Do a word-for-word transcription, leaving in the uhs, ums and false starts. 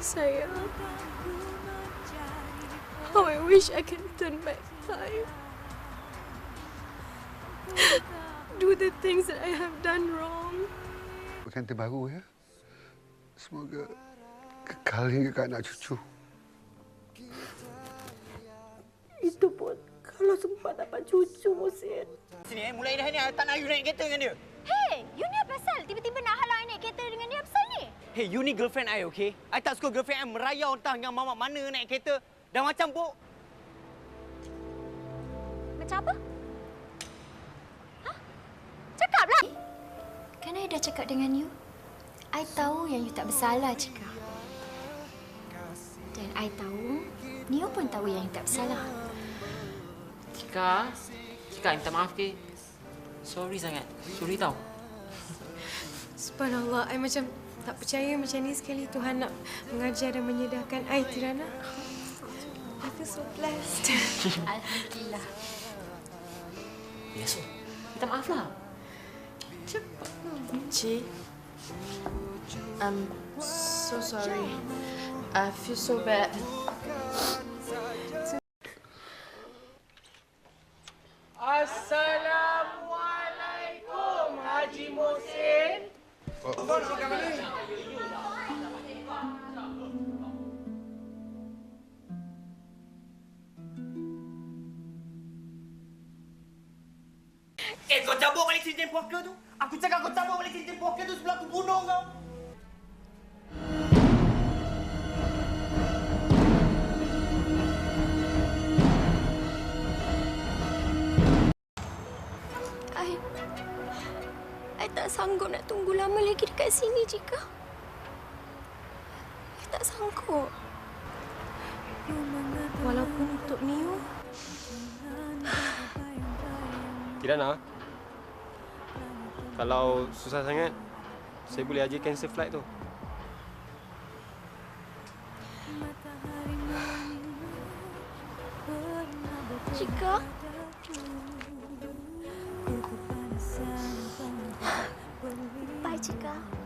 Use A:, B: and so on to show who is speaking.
A: Sayang, how I wish I can turn back time. Do the things that I have done wrong.
B: Pengantin baru ya. Semoga kekal hingga ke anak cucu.
A: Itu pun kalau sempat dapat cucu, Musin.
C: Sini eh, mulai dah ni tak nak you naik kereta dengan dia.
D: Hey, you ni apa pasal? Tiba-tiba nak halau I naik kereta dengan dia apa pasal ni?
C: Hey, you ni girlfriend I, okay? I tak suka girlfriend I merayau entah dengan mamak mana naik kereta. Dah macam bok.
D: Macam apa? Hah? Cakaplah.
E: Kan I dah cakap dengan you? I tahu yang you tak bersalah, Cika. Dan I tahu, Neo pun tahu yang you tak bersalah.
F: Cika, Cika minta maaf ke? Sorry sangat. Sorry tau.
A: Subhanallah, I macam tak percaya macam ni sekali Tuhan nak mengajar dan menyedarkan I, Tirana. I feel so blessed.
E: Alhamdulillah.
F: Ya, so. Minta maaf lah. Cepat.
G: Cik, I'm so sorry. I feel so bad.
H: Assalamualaikum, Haji Musin.
C: Eh, kau cabut balik cincin poker tu. Aku cakap kau cabut balik cincin poker tu sebelum aku bunuh kau.
A: I... I tak sanggup nak tunggu lama lagi dekat sini, Cika. I tak sanggup. Walaupun untuk Neo.
I: Kirana, kalau susah sangat, saya boleh aja cancel flight tu.
A: Cika.
D: Bye, Cika.